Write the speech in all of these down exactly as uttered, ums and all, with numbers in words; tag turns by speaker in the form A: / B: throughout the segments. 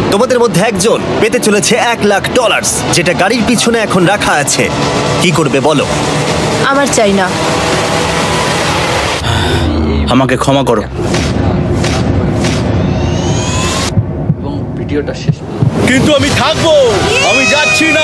A: তোমাদের মধ্যে একজন পেতে চলেছে এক লাখ ডলার, যেটা গাড়ির পিছনে এখন রাখা আছে। কি করবে বলো?
B: আমার চাই না।
C: আমাকে ক্ষমা করো।
D: এবং ভিডিওটা শেষ
C: কিন্তু আমি থাকবো, আমি যাচ্ছি না।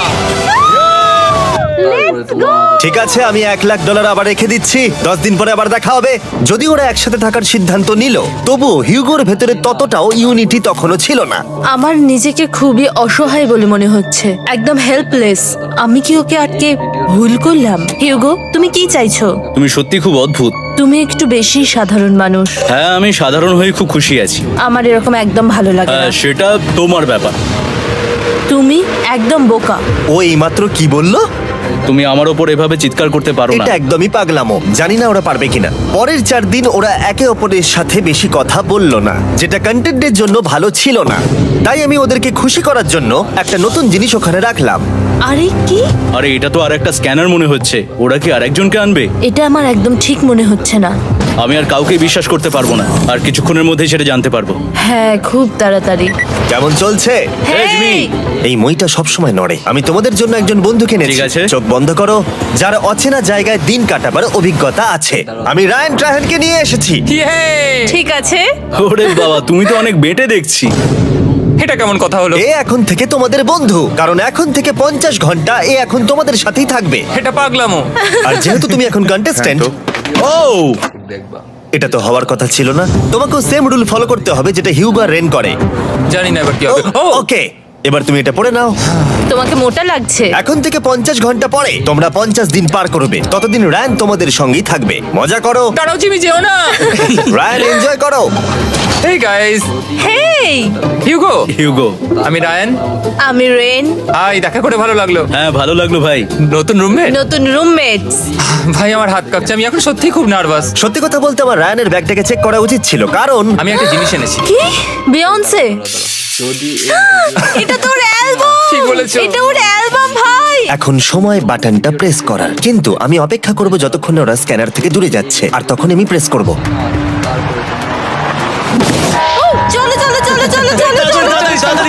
D: তারপরে তোমার
A: ঠিক আছে, আমি এক লাখ ডলার আবার রেখে দিচ্ছি। দশ দিন পরে আবার দেখা হবে। যদি ওরা একসাথে থাকার সিদ্ধান্ত নিল, তবুও হিউগোর ভেতরে ততটাও ইউনিটি তখনও ছিল না।
B: আমার নিজেকে খুবই অসহায় বলে মনে হচ্ছে, একদম হেল্পলেস। আমি কি ওকে আটকে ভুল করলাম? হিউগো, তুমি কি চাইছো?
C: তুমি সত্যি খুব অদ্ভুত।
B: তুমি একটু বেশি সাধারণ মানুষ।
C: হ্যাঁ, আমি সাধারণ হয়ে খুব খুশি আছি।
B: আমার এরকম একদম ভালো লাগে না।
C: হ্যাঁ, সেটা তোমার ব্যাপার।
B: তুমি একদম বোকা।
A: ও এইমাত্র কি বললো?
C: তুমি আমার ওপর এভাবে চিৎকার করতে পারো না।
A: এটা একদমই পাগলামো। জানি না ওরা পারবে কিনা। পরের চার দিন ওরা একে অপরের সাথে বেশি কথা বলল না, যেটা কন্টেন্টের জন্য ভালো ছিল না। তাই আমি ওদেরকে খুশি করার জন্য একটা নতুন জিনিস ওখানে রাখলাম।
B: আরে কি?
C: আরে এটা তো আর একটা স্ক্যানার মনে হচ্ছে। ওরা কি আরেকজনকে আনবে?
B: এটা আমার একদম ঠিক মনে হচ্ছে না।
C: আমি আর কাউকে বিশ্বাস করতে পারবো না। আর কিছুক্ষণের মধ্যেই সেটা জানতে পারবো।
B: হ্যাঁ, খুব তাড়াতাড়ি।
A: কেমন চলছে?
C: Hey, Jimmy!
A: এই মইটা সবসময় নড়ে। আমি তোমাদের জন্য একজন বন্ধুকে এনেছি।
C: ঠিক আছে।
A: চোখ বন্ধ করো। যার অচেনা জায়গায় দিন কাটাবার অভিজ্ঞতা আছে। আমি রায়ান ট্রাহেলকে নিয়ে এসেছি।
B: ঠিক আছে।
C: ওরে বাবা, তুমি তো অনেক বেটে দেখছি।
E: এটা কেমন কথা হলো?
A: এ এখন থেকে তোমাদের বন্ধু, কারণ এখন থেকে পঞ্চাশ ঘন্টা এ এখন তোমাদের সাথেই থাকবে।
E: এটা পাগলামো।
A: আর যেহেতু তুমি এখন কন্টেস্ট্যান্ট,
C: ও
D: দেখবা
A: এটা তো হওয়ার কথা ছিল না। তোমাকেও সেম রুল ফলো করতে হবে যেটা হিউগো আর রেন করে।
E: জানি না এবার কি হবে। ও
A: ওকে, এবার তুমি এটা পড়ে নাও।
B: তোমাকে মোটা লাগছে।
A: এখন থেকে পঞ্চাশ ঘন্টা পরে তোমরা পঞ্চাশ দিন পার করবে। ততদিন রায়ান তোমাদের সঙ্গেই থাকবে। মজা করো,
E: দাঁড়াও জিমি, যেও না।
A: রায়ান এনজয় করো।
E: Hey guys,
B: hey,
E: Hugo.
C: Hugo.
E: আমি রায়ান।
B: আমি রেন।
E: হাই, দেখা করে ভালো লাগলো।
C: হ্যাঁ, ভালো লাগলো ভাই।
E: নতুন রুমমেট।
B: নতুন রুমমেটস।
E: ভাই আমার হাত কাঁপছে, আমি এখন সত্যি খুব নার্ভাস।
A: সত্যি কথা বলতে আমার রায়ানের ব্যাগটাকে চেক করা উচিত ছিল, কারণ
E: আমি একটা জিনিস এনেছি।
B: কি? বিয়ন্সে?
D: যদি
B: এটা তোর অ্যালবাম।
E: ঠিক বলেছো।
B: এটা ওর অ্যালবাম ভাই।
A: এখন সময় বাটনটা প্রেস করার। কিন্তু আমি অপেক্ষা করব যতক্ষণ না ওরা স্ক্যানার থেকে দূরে যাচ্ছে, আর তখন আমি প্রেস করব।
D: তারপরে
B: চলো চলো চলো চলো চলো চলো।
C: তাড়াতাড়ি, তাড়াতাড়ি।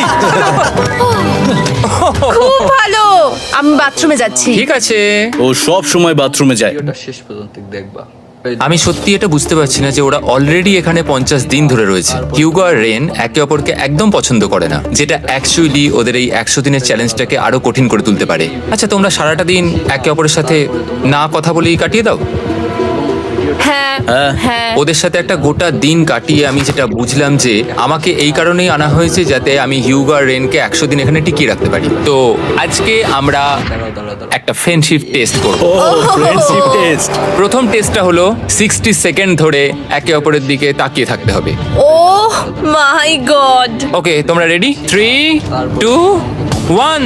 B: খুব ভালো। আমি বাথরুমে যাচ্ছি।
E: ঠিক আছে।
C: ও সব সময় বাথরুমে যায়।
D: ভিডিওটা শেষ পর্যন্ত দেখবা।
E: আমি সত্যি এটা বুঝতে পারছি না যে ওরা অলরেডি এখানে পঞ্চাশ দিন ধরে রয়েছে। হিউগো আর রেন একে অপরকে একদম পছন্দ করে না, যেটা অ্যাকচুয়ালি ওদের এই একশো দিনের চ্যালেঞ্জটাকে আরো কঠিন করে তুলতে পারে। আচ্ছা, তোমরা সারাটা দিন একে অপরের সাথে না কথা বলেই কাটিয়ে দাও?
B: হ্যাঁ
C: হ্যাঁ।
B: হ্যাঁ।
E: ওদের সাথে একটা গোটা দিন কাটিয়ে আমি যেটা বুঝলাম যে আমাকে এই কারণেই আনা হয়েছে যাতে আমি হিউগো আর রেনকে একশো দিন এখানে টিকিয়ে রাখতে পারি। তো আজকে আমরা
D: দাঁড়াও দাঁড়াও দাঁড়াও
E: একটা ফ্রেন্ডশিপ টেস্ট করব।
C: ও ফ্রেন্ডশিপ টেস্ট।
E: প্রথম টেস্টটা হলো সিক্সটি সেকেন্ড ধরে একে অপরের দিকে তাকিয়ে থাকতে হবে।
B: ও মাই গড।
E: ওকে, তোমরা রেডি? Three two one.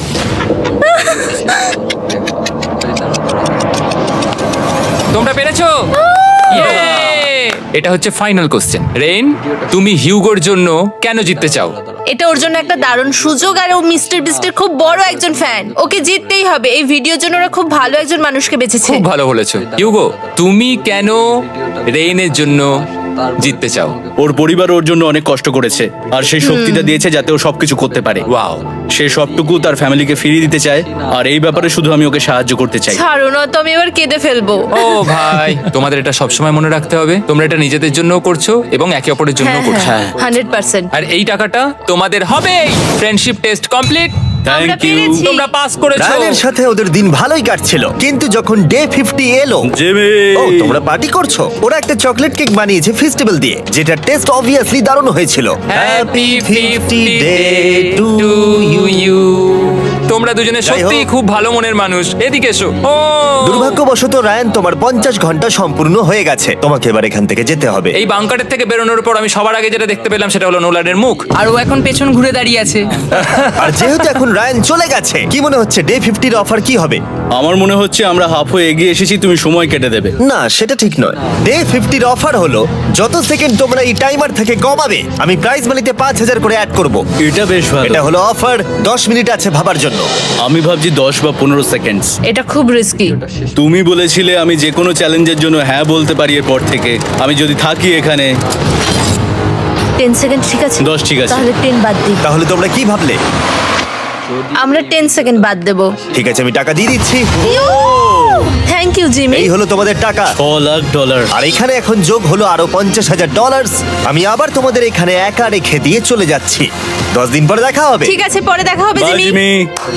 E: তোমরা পেরেছো? Yay! এটা হচ্ছে ফাইনাল কোশ্চেন। রেন, তুমি হিউগোর জন্য কেন জিততে চাও?
B: এটা ওর জন্য একটা দারুণ সুযোগ, আর ও মিস্টার বিস্টের খুব বড় একজন ফ্যান। ওকে জিততেই হবে। এই ভিডিওর জন্য ওরা খুব ভালো একজন মানুষকে বেছেছে।
E: খুব ভালো বলেছো। হিউগো, তুমি কেন রেনের জন্য জিততে চাও?
C: ওর পরিবার ওর জন্য অনেক কষ্ট করেছে, আর সেই শক্তিটা দিয়েছে যাতে ও সবকিছু করতে পারে।
E: ওয়াও।
C: সে সবটুকু তার ফ্যামিলিকে ফিরিয়ে দিতে চায়, আর এই ব্যাপারে শুধু আমি ওকে সাহায্য করতে চাই।
B: ছাড়ো না তো, আমি এবার কেঁদে ফেলবো।
E: ও ভাই, তোমাদের এটা সবসময় মনে রাখতে হবে। তোমরা এটা নিজেদের জন্যও করছো এবং একে অপরের জন্য
B: হ্যাঁ
E: করছো।
B: হ্যাঁ, হান্ড্রেড পার্সেন্ট।
E: আর এই টাকাটা তোমাদের হবে। Friendship test complete.
B: আমরা
C: থ্যাংক ইউ।
B: পেরেছি।
E: তোমরা পাস করেছো।
A: রায়ানের সাথে ওদের দিন ভালোই কাটছিল, কিন্তু যখন ডে ফিফটি এলো,
C: জিমি।
A: ও তোমরা পার্টি করছো। ওরা একটা চকলেট কেক বানিয়েছে ফেস্টিভ্যাল দিয়ে, যেটা টেস্ট অবভিয়াসলি দারুণ হয়েছিল।
E: Happy fifty day
A: to
E: to you. তোমরা দুজনে
A: যাই হোক।
E: সত্যি খুব ভালো মনের মানুষ। এদিকে এসো। ও
A: দুর্ভাগ্যবশত রায়ান, তোমার পঞ্চাশ ঘন্টা সম্পূর্ণ হয়ে গেছে। তোমাকে এবার এখান থেকে যেতে হবে।
E: এই বাংকারের থেকে বেরোনোর পর আমি সবার আগে যেটা দেখতে পেলাম সেটা হলো নোলানের মুখ।
F: আর ও এখন পেছন ঘুরে দাঁড়িয়ে আছে।
A: আর যেহেতু এখন রায়ান চলে গেছে, কি মনে হচ্ছে ডে ফিফটির অফার কি হবে?
C: আমার মনে হচ্ছে আমরা হাফ হয়ে এগিয়ে এসেছি, তুমি সময় কেটে দেবে।
A: না, সেটা ঠিক নয়। ডে ফিফটির অফার হলো যত সেকেন্ড তোমরা এই টাইমার থেকে কমাবে, আমি প্রাইজ মানিতে পাঁচ হাজার করে অ্যাড করব।
C: এটা বেশ ভালো।
A: এটা হলো অফার। দশ মিনিট আছে ভাবার জন্য।
C: আমি ভাবছি দশ বা পনেরো সেকেন্ডস।
B: এটা খুব রিস্কি।
C: তুমি বলেছিলে আমি যে কোনো চ্যালেঞ্জের জন্য হ্যাঁ বলতে পারি এরপর থেকে। আমি যদি থাকি এখানে
B: টেন সেকেন্ড ঠিক আছে?
C: দশ ঠিক আছে।
B: তাহলে টেন বাদ দিই।
A: তাহলে তোমরা কি ভাবলে?
B: আমরা টেন সেকেন্ড বাদ দেবো।
A: ঠিক আছে, আমি টাকা দিয়ে দিচ্ছি।
B: Thank you Jimmy.
A: এই হলো তোমাদের টাকা।
C: ছ লাখ ডলার।
A: আর এখানে এখন যোগ হলো আরো পঞ্চাশ হাজার ডলার। আমি আবার তোমাদের এখানে একা রেখে দিয়ে চলে যাচ্ছি। দশ দিন পরে দেখা হবে।
B: ঠিক আছে, পরে দেখা হবে
C: বাই
B: জিমি।
C: জিমি।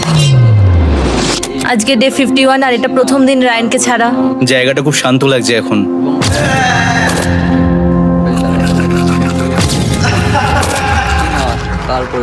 B: আজকে ডে ফিফটি ওয়ান আর এটা প্রথম দিন রায়ানকে ছাড়া।
C: জায়গাটা খুব শান্ত লাগছে এখন।
D: তারপরে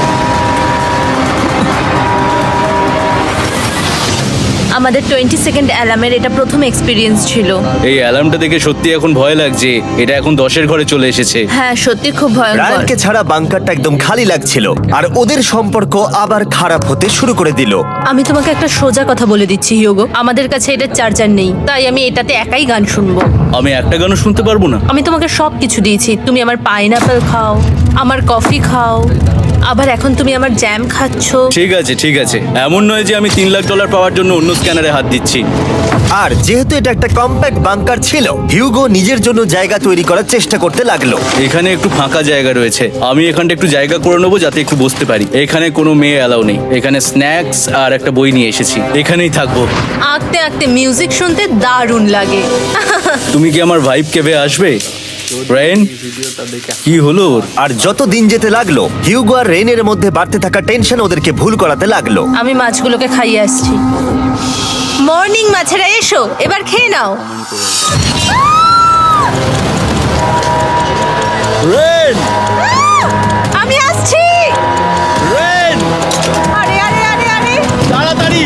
B: আমাদের টোয়েন্টি সেকেন্ড অ্যালার্মের এটা প্রথম এক্সপিরিয়েন্স ছিল।
C: এই অ্যালার্মটা দেখে সত্যি এখন ভয় লাগছে। এটা এখন দশের ঘরে চলে এসেছে।
B: হ্যাঁ, সত্যি খুব ভয়ঙ্কর।
A: রায়ানকে ছাড়া বাংকারটা একদম খালি লাগছিল আর ওদের সম্পর্ক আবার খারাপ হতে শুরু করে দিল।
B: আমি তোমাকে একটা সোজা কথা বলে দিচ্ছি হিউগো, আমাদের কাছে এটা চার্জার নেই, তাই আমি এটাতে একাই গান শুনবো।
C: আমি একটা গানও শুনতে পারবো না।
B: আমি তোমাকে সব কিছু দিয়েছি, তুমি আমার পাইনাপেল খাও, আমার কফি খাও, আবার এখন তুমি আমার জ্যাম খাচ্ছ।
C: ঠিক আছে ঠিক আছে, এমন নয় যে আমি তিন লাখ ডলার পাওয়ার জন্য অন্য স্ক্যানারে হাত দিচ্ছি।
A: আর যেহেতু এটা একটা কম্প্যাক্ট বাংকার ছিল, হিউগো নিজের জন্য জায়গা তৈরি করার চেষ্টা করতে লাগলো।
C: এখানে একটু ফাঁকা জায়গা রয়েছে, আমি এখানটা একটু জায়গা করে নেবো যাতে একটু বসতে পারি। এখানে কোনো মেয়ে অ্যালাউ নেই। এখানে স্ন্যাক্স আর একটা বই নিয়ে এসেছি, এখানেই থাকবো।
B: আঁকতে আঁকতে মিউজিক শুনতে দারুণ লাগে।
C: তুমি কি আমার ভাইব কেবে আসবে? রেন,
D: ভিডিওটা দেখে
C: কি হলো ওর?
A: আর যত দিন যেতে লাগলো, হিউগো আর রেনের মধ্যে বাড়তে থাকা টেনশন ওদেরকে ভুল করাতে লাগলো।
B: আমি মাছগুলোকে খাইয়ে আসছি। মর্নিং মাছেরা, এসো এবার খেয়ে নাও।
C: রেন,
B: আমি আসছি।
C: রেন,
B: আরে আরে আরে আরে
C: তাড়াতাড়ি।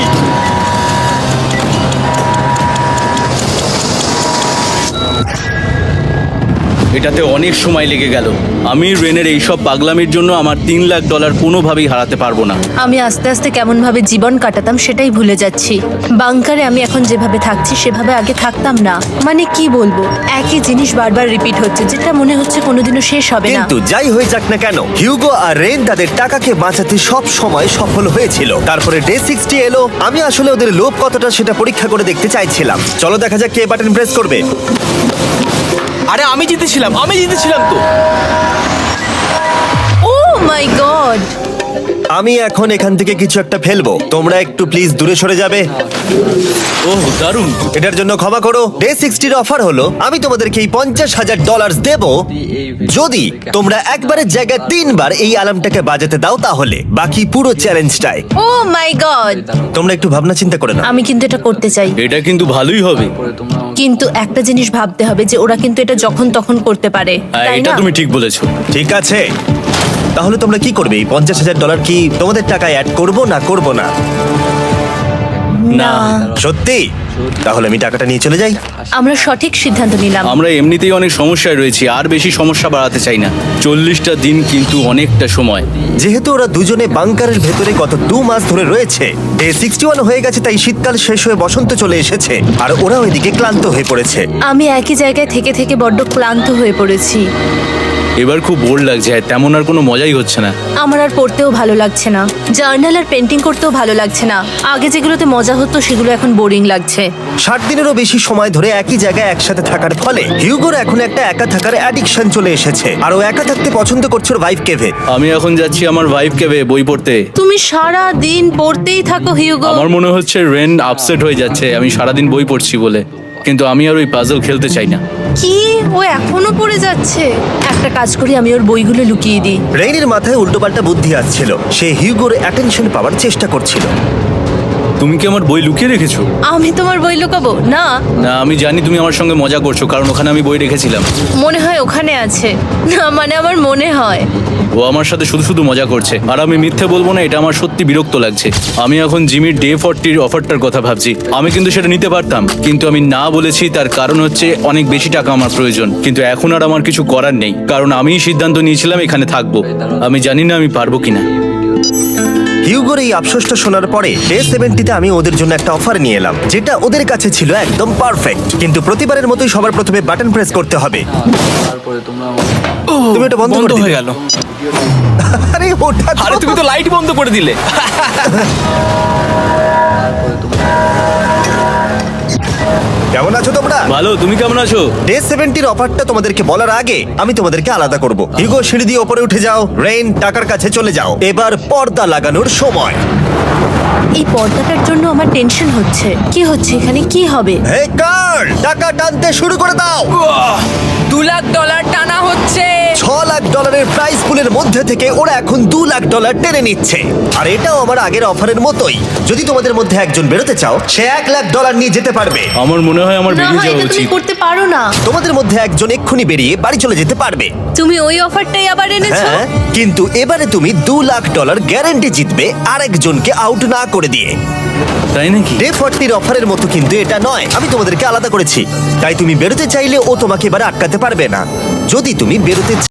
C: এটাতে অনেক সময় লেগে গেল। আমি রেনের এইসব পাগলামির জন্য আমার তিন লাখ ডলার কোনোভাবেই হারাতে পারবো না।
B: আমি আস্তে আস্তে কেমন ভাবে জীবন কাটাতাম সেটাই ভুলে যাচ্ছি। বাংকারে আমি এখন যেভাবে থাকছি সেভাবে আগে থাকতাম না। মানে কি বলবো, একই জিনিস বারবার রিপিট হচ্ছে, যেটা মনে হচ্ছে কোনোদিনও শেষ হবে না।
A: কিন্তু যাই হয়ে যাক না কেন, হিউগো আর রেন তাদের টাকাকে বাঁচাতে সব সময় সফল হয়েছিল। তারপরে ডে সিক্সটি এলো। আমি আসলে ওদের লোভ কতটা সেটা পরীক্ষা করে দেখতে চাইছিলাম। চলো দেখা যাক কে বাটন প্রেস করবে।
G: আরে আমি জিতেছিলাম, আমি জিতেছিলাম তো।
B: Oh my God!
A: আমি এখন এখান থেকে কিছু একটা ফেলবো, তোমরা একটু প্লিজ দূরে সরে যাবে।
C: ওহ দারুণ।
A: এটার জন্য ক্ষমা করো। ডে সিক্সটির অফার হলো আমি তোমাদেরকে এই পঞ্চাশ হাজার ডলার দেবো যদি তোমরা একবারের জায়গায় তিনবার এই অ্যালার্মটাকে বাজাতে দাও, তাহলে বাকি পুরো চ্যালেঞ্জটাই।
B: ও মাই গড!
A: তোমরা একটু ভাবনা চিন্তা করে নাও।
B: আমি কিন্তু এটা করতে চাই,
C: এটা কিন্তু ভালোই হবে।
D: পরে তোমরা আমাকে
B: কিন্তু একটা জিনিস ভাবতে হবে যে ওরা কিন্তু এটা যখন তখন করতে পারে,
C: হ্যাঁ,
B: তাই
C: এটা
B: না?
C: তুমি ঠিক বলেছো।
A: ঠিক আছে, তাহলে তোমরা কি করবে? এই পঞ্চাশ হাজার ডলার কি তোমাদের টাকায় অ্যাড করবো না করবো না?
B: না,
A: সত্যি? তাহলে আমি টাকাটা নিয়ে চলে যাই।
B: আমরা সঠিক সিদ্ধান্ত নিলাম।
C: আমরা এমনিতেই অনেক সমস্যায় রয়েছি, আর বেশি সমস্যা বাড়াতে চাই না। চল্লিশটা দিন কিন্তু অনেকটা সময়।
A: যেহেতু ওরা দুজনে বাংকারের ভেতরে গত দু মাস ধরে রয়েছে, ডে সিক্সটি ওয়ান হয়ে গেছে, তাই শীতকাল শেষ হয়ে বসন্ত চলে এসেছে আর ওরা ওইদিকে ক্লান্ত হয়ে পড়েছে।
B: আমি একই জায়গায় থেকে থেকে বড্ড ক্লান্ত হয়ে পড়েছি।
C: এবার খুব বোর লাগছে, তেমন আর কোনো মজাই হচ্ছে না।
B: আমার আর পড়তেও ভালো লাগছে না, জার্নাল আর পেন্টিং করতেও ভালো লাগছে না। আগে যেগুলোতে মজা হতো সেগুলো এখন বোরিং লাগছে।
A: ষাট দিনেরও বেশি সময় ধরে একই জায়গায় একসাথে থাকার ফলে হিউগোর এখন একটা একা থাকার অ্যাডিকশন চলে এসেছে আর ও একা থাকতে পছন্দ করছে ওর ভাইফ কেভে।
C: আমি এখন যাচ্ছি আমার ভাইফকে বই পড়তে।
B: তুমি সারা দিন পড়তেই থাকো হিউগো।
C: আমার মনে হচ্ছে রেন আপসেট হয়ে যাচ্ছে আমি সারাদিন বই পড়ছি বলে, কিন্তু আমি আর ওই পাজল খেলতে চাই না।
B: কি, ও এখনো পড়ে যাচ্ছে? একটা কাজ করি, আমি ওর বইগুলো লুকিয়ে দিই।
A: রেইনের মাথায় উল্টোপাল্টা বুদ্ধি আসছিল। সে হিউগোর অ্যাটেনশন পাওয়ার চেষ্টা করছিল।
C: তুমি কি আমার বই লুকিয়ে রেখেছো?
B: আমি তোমার বই লুকাবো না?
C: না, আমি জানি তুমি আমার সঙ্গে মজা করছো, কারণ ওখানে আমি বই রেখেছিলাম।
B: মনে হয় ওখানে আছে। না মানে আমার মনে হয়।
C: ও আমার সাথে শুধু শুধু মজা করছে, আর আমি মিথ্যে বলবো না, এটা আমার সত্যি বিরক্ত লাগছে। আমি এখন জিমির ডে ফর্টির অফারটার কথা ভাবছি। আমি কিন্তু সেটা নিতে পারতাম, কিন্তু আমি না বলেছি। তার কারণ হচ্ছে অনেক বেশি টাকা আমার প্রয়োজন, কিন্তু এখন আর আমার কিছু করার নেই, কারণ আমিই সিদ্ধান্ত নিয়েছিলাম এখানে থাকবো। আমি জানি না আমি পারবো কিনা।
A: হিউগোর এই আফসোসটা শোনার পরে ডে সেভেন্টিতে আমি ওদের জন্য একটা অফার নিয়ে এলাম, যেটা ওদের কাছে ছিল একদম পারফেক্ট। কিন্তু প্রতিবারের মতোই সবার প্রথমে বাটন প্রেস করতে হবে।
D: তারপরে তোমরা আমাকে
A: তুমি এটা বন্ধ করে
G: বন্ধ
A: দিলে।
G: হয়ে গেল।
A: আরে ওটা
G: আরে তুমি তো লাইট বন্ধ করে দিলে।
D: তারপরে তোমরা
A: কেমন আছো তোমরা?
C: ভালো, তুমি কেমন আছো?
A: ডে সেভেন্টির অফারটা তোমাদেরকে বলার আগে আমি তোমাদেরকে আলাদা করব। হিগো, সিঁড়ি দিয়ে ওপরে উঠে যাও। রেইন, টাকার কাছে চলে যাও। এবার পর্দা লাগানোর সময়।
B: এই পর্দাটার জন্য আমার টেনশন হচ্ছে। কি হচ্ছে এখানে, কি হবে?
A: হে কার্ল, টাকা টানতে শুরু করে দাও।
F: দু লাখ ডলার টানা হচ্ছে।
A: ছ লাখ ডলারের প্রাইস পুলের মধ্যে থেকে ওরা এখন দু লাখ ডলার টেনে নিচ্ছে। আর এটাও আমার আগের অফারের মতোই। যদি তোমাদের মধ্যে একজন বেরোতে চাও, সে এক লাখ ডলার নিয়ে যেতে পারবে।
C: আমার মনে হয় আমার
B: না,
C: বেরিয়ে
B: এটা
C: যাওয়া
B: তুমি
C: উচিত।
B: করতে পারো না।
A: তোমাদের মধ্যে একজন এক্ষুনি বেরিয়ে বাড়ি চলে যেতে পারবে।
B: তুমি ওই অফারটাই আবার এনেছো।
A: হ্যাঁ, কিন্তু এবারে তুমি দু লাখ ডলার গ্যারান্টি জিতবে আরেকজনকে আউট না করে দিয়ে।
C: তাই নাকি?
A: ডে ফর্টির অফারের মতো কিন্তু এটা নয়। আমি তোমাদেরকে আলাদা করেছি, তাই তুমি বেরোতে চাইলে ও তোমাকে এবারে আটকাতে পারবে না। যদি তুমি বেরোতে